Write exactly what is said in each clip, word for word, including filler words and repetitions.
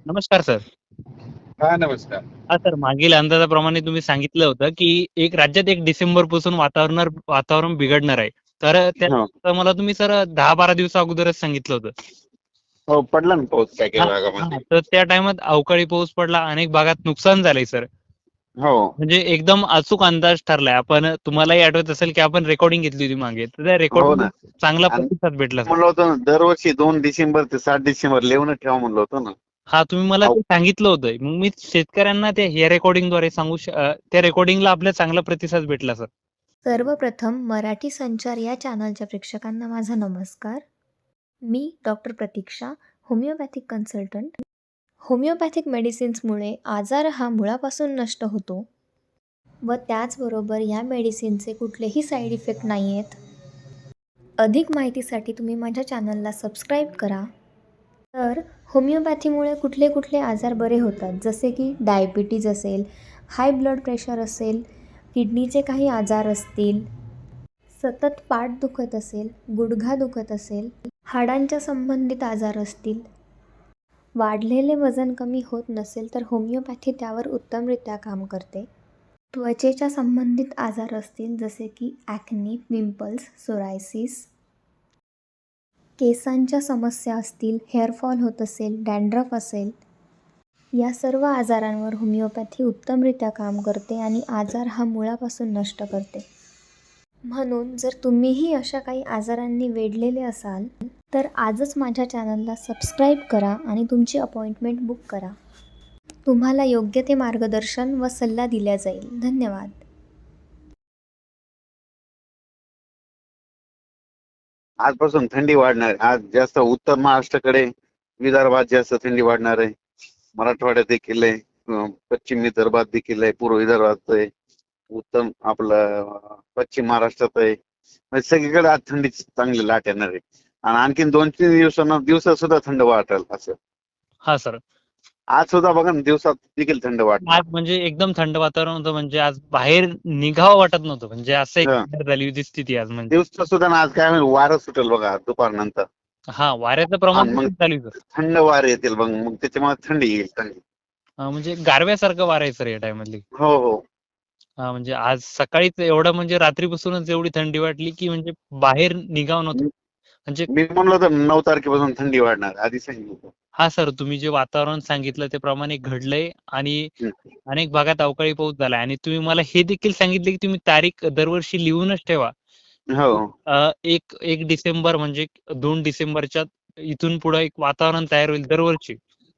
नमस्कार सर. हा नमस्कार. हां सर, मागील अंदाजाप्रमाणे तुम्ही सांगितलं होतं, की एक राज्यात एक डिसेंबरपासून वातावरणार वातावरण बिघडणार आहे. तर अ, हो. त्या मला तुम्ही सर दहा बारा दिवसा अगोदरच सांगितलं होतं. हो पडला ना पाऊस काय काय हां, भागामध्ये. हां. तर त्या टाईमात अवकाळी पाऊस पडला. अनेक भागात नुकसान झालंय सर. हो. म्हणजे एकदम अचूक अंदाज ठरलाय. आपण तुम्हालाही आठवत असेल, की आपण रेकॉर्डिंग घेतली होती मागे. तर त्या हो रेकॉर्डिंगला ना. चांगला आणि प्रतिसाद भेटला सर. म्हणलं होतं ना दरवर्षी दोन डिसेंबर ते सात डिसेंबर लिहून ठेवा म्हणलं होतं ना. हां, तुम्ही मला अहो, ते सांगितलं होतं. मग मी शेतकऱ्यांना ते या रेकॉर्डिंगद्वारे सांगू श अ, त्या रेकॉर्डिंगला आपला चांगला प्रतिसाद भेटला सर. सर्वप्रथम मराठी संचार या चॅनलच्या प्रेक्षकांना माझा नमस्कार. मी doctor Pratiksha, homeopathic consultant. Homeopathic मेडिसिन्समुळे आजार हा मुळापासून नष्ट होतो व त्याचबरोबर या मेडिसिनचे कुठलेही साईड इफेक्ट नाही आहेत. अधिक माहितीसाठी तुम्ही माझ्या चॅनलला सबस्क्राईब करा. तर होमिओपॅथीमुळे कुठले कुठले आजार बरे होतात, जसे की डायबिटीज असेल, हाय ब्लड प्रेशर असेल, किडनीचे काही आजार असतील, सतत पाठ दुखत असेल, गुडघा दुखत असेल, हाडांच्या संबंधित आजार असतील, वाढलेले वजन कमी होत नसेल तर होमिओपॅथी त्यावर उत्तमरित्या काम करते. त्वचेच्या संबंधित आजार असतील जसे की ॲक्नी, पिंपल्स, सोरायसिस, केसांच्या समस्या असतील, हेअरफॉल होत असेल, डॅन्ड्रफ असेल, या सर्व आजारांवर होमिओपॅथी उत्तमरित्या काम करते आणि आजार हा मुळापासून नष्ट करते. म्हणून जर तुम्हीही अशा काही आजारांनी वेढलेले असाल तर आजच माझ्या चॅनलला सबस्क्राईब करा आणि तुमची अपॉइंटमेंट बुक करा. तुम्हाला योग्य ते मार्गदर्शन व सल्ला दिला जाईल. धन्यवाद. आजपासून थंडी वाढणार आहे. आज जास्त उत्तर महाराष्ट्राकडे, विदर्भात जास्त थंडी वाढणार आहे. मराठवाड्यात देखील आहे, अं, पश्चिम विदर्भात देखील आहे, पूर्व विदर्भात आहे, उत्तम आपलं अं, पश्चिम महाराष्ट्रात आहे. म्हणजे सगळीकडे आज थंडी चांगली लाट येणार आहे. आणि आणखीन दोन तीन दिवसांना दिवसात सुद्धा थंड वाटेल असं. हां सर. आज सुद्धा बघा ना दिवसात देखील थंड वाटणार. आज म्हणजे एकदम थंड वातावरण होतं. म्हणजे आज बाहेर निघावं वाटत नव्हतं. म्हणजे असं एक हं. झाली होती स्थिती आज म्हणजे. दिवसा सुद्धा ना आज काय होईल वारं सुटेल बघा दुपारनंतर. हां, वाऱ्याचं प्रमाण आणि मग देखील चालू आहे सर. थंड वारे येतील मग मग त्याच्यामुळे थंडी येईल चांगली. हां, म्हणजे गारव्यासारखं वारं आहे सर या टाईममधली. हो हो. हां, म्हणजे आज सकाळीच एवढं म्हणजे रात्रीपासूनच एवढी थंडी वाटली, की म्हणजे बाहेर निघावं नव्हतं. मी म्हणजे मी म्हणलो होतो नऊ तारखेपासून थंडी वाढणार आधी सांगितलं होतं. हां सर, तुम्ही जे वातावरण सांगितलं त्याप्रमाणे घडलंय आणि हं. अनेक भागात अवकाळी पाऊस झालाय आणि तुम्ही मला हे देखील सांगितले, की तुम्ही तारीख दरवर्षी लिहूनच ठेवा. हो अ, एक 1 डिसेंबर म्हणजे दोन डिसेंबरच्या इथून पुढे एक वातावरण तयार होईल दरवर्षी.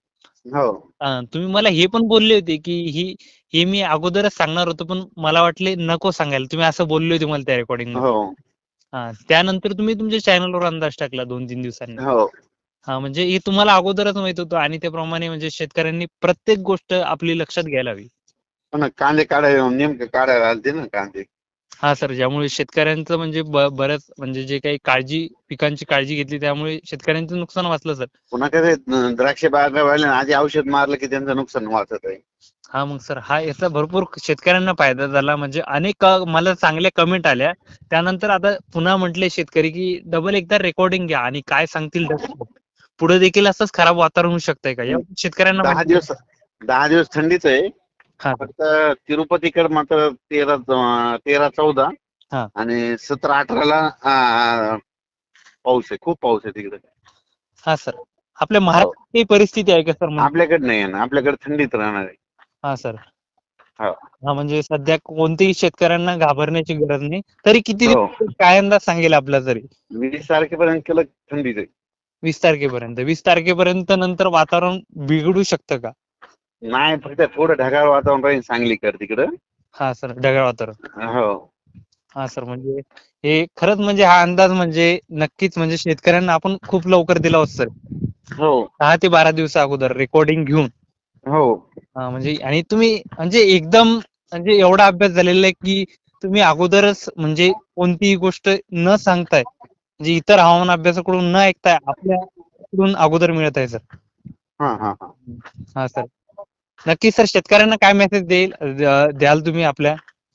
हो. अ, तुम्ही मला हे पण बोलले होते, की ही हे मी अगोदरच सांगणार होतो, पण मला वाटले नको सांगायला. तुम्ही असं बोलले होते मला त्या रेकॉर्डिंगमध्ये. हो हां, त्यानंतर तुम्ही तुमच्या चॅनलवर अंदाज टाकला दोन तीन दिवसांनी. हो. हां, म्हणजे हे तुम्हाला अगोदरच माहीत होतं आणि त्याप्रमाणे म्हणजे शेतकऱ्यांनी प्रत्येक गोष्ट आपली लक्षात घ्यायला हवी. पण कांदे काढायला नेमके काढायला आलते ना कांदे. हां सर, ज्यामुळे शेतकऱ्यांचं म्हणजे ब बऱ्याच म्हणजे जे काही काळजी पिकांची काळजी घेतली त्यामुळे शेतकऱ्यांचं नुकसान वाचलं सर. पुन्हा काय ते द्राक्ष बागावाल्याने आधी औषध मारलं की त्यांचं नुकसान वाचत आहे. हां, मग सर हा याचा भरपूर शेतकऱ्यांना फायदा झाला. म्हणजे अनेक अ, मला चांगल्या कमेंट आल्या. त्यानंतर आता पुन्हा म्हटले शेतकरी, की डबल एकदा रेकॉर्डिंग घ्या आणि काय सांगतील पुढे देखील असंच खराब वातावरण होऊ शकतंय का? या शेतकऱ्यांना दहा माहिती दिवस दहा दिवस थंडीच आहे. हां, सर. फक्त तिरुपतीकडे मात्र तेरा तेरा चौदा हां. आणि सतरा अठराला अं, पाऊस आहे. खूप पाऊस आहे तिकडे. हां, सर. आपल्या हो. महाराष्ट्रात ही परिस्थिती आहे का सर म्हणजे? आपल्याकडे नाही आहे ना. आपल्याकडे थंडीत राहणार आहे. हां, सर. हो. हां, म्हणजे सध्या कोणत्याही शेतकऱ्यांना घाबरण्याची गरज नाही. तरी किती हो. दिवस काय अंदाज सांगेल आपला तरी? वीस तारखेपर्यंत केलं थंडीच आहे. वीस तारखेपर्यंत. वीस तारखेपर्यंत नंतर वातावरण बिघडू शकतं का? नाही फक्त थोडं ढगाळ वातावरण राहील सांगलीकडे तिकडं. हां, सर. ढगाळ वातावरण. हो. हां, सर. म्हणजे हे खरंच म्हणजे हा अंदाज म्हणजे नक्कीच म्हणजे शेतकऱ्यांना आपण खूप लवकर दिला होता सर. हो. दहा ते बारा दिवसा अगोदर रेकॉर्डिंग घेऊन. हो. हां, म्हणजे आणि तुम्ही म्हणजे एकदम म्हणजे एवढा अभ्यास झालेला आहे, की तुम्ही अगोदरच म्हणजे कोणतीही गोष्ट न सांगताय, म्हणजे इतर हवामान अभ्यासाकडून न ऐकताय आपल्याकडून अगोदर मिळत आहे सर. हां, हां, हां. हां, सर. नक्कीच सर शेतकऱ्यांना काय मेसेज देईल अ, द्याल तुम्ही आपल्या?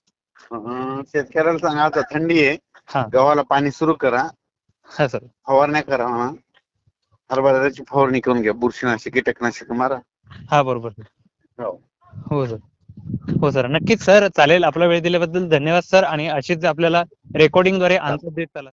अं, शेतकऱ्याला सांगा आता थंडी आहे. हां. गव्हाला पाणी सुरू करा. हां, सर. फवारण्या करा म्हणा. हरभऱ्याची फवारणी करून घ्या. बुरशीनाशक, कीटकनाशक मारा. हा बरोबर हो. हो सर. हो सर, नक्कीच सर, चालेल. आपला वेळ दिल्याबद्दल धन्यवाद सर, आणि अशीच आपल्याला रेकॉर्डिंगद्वारे आन्सर देत चला.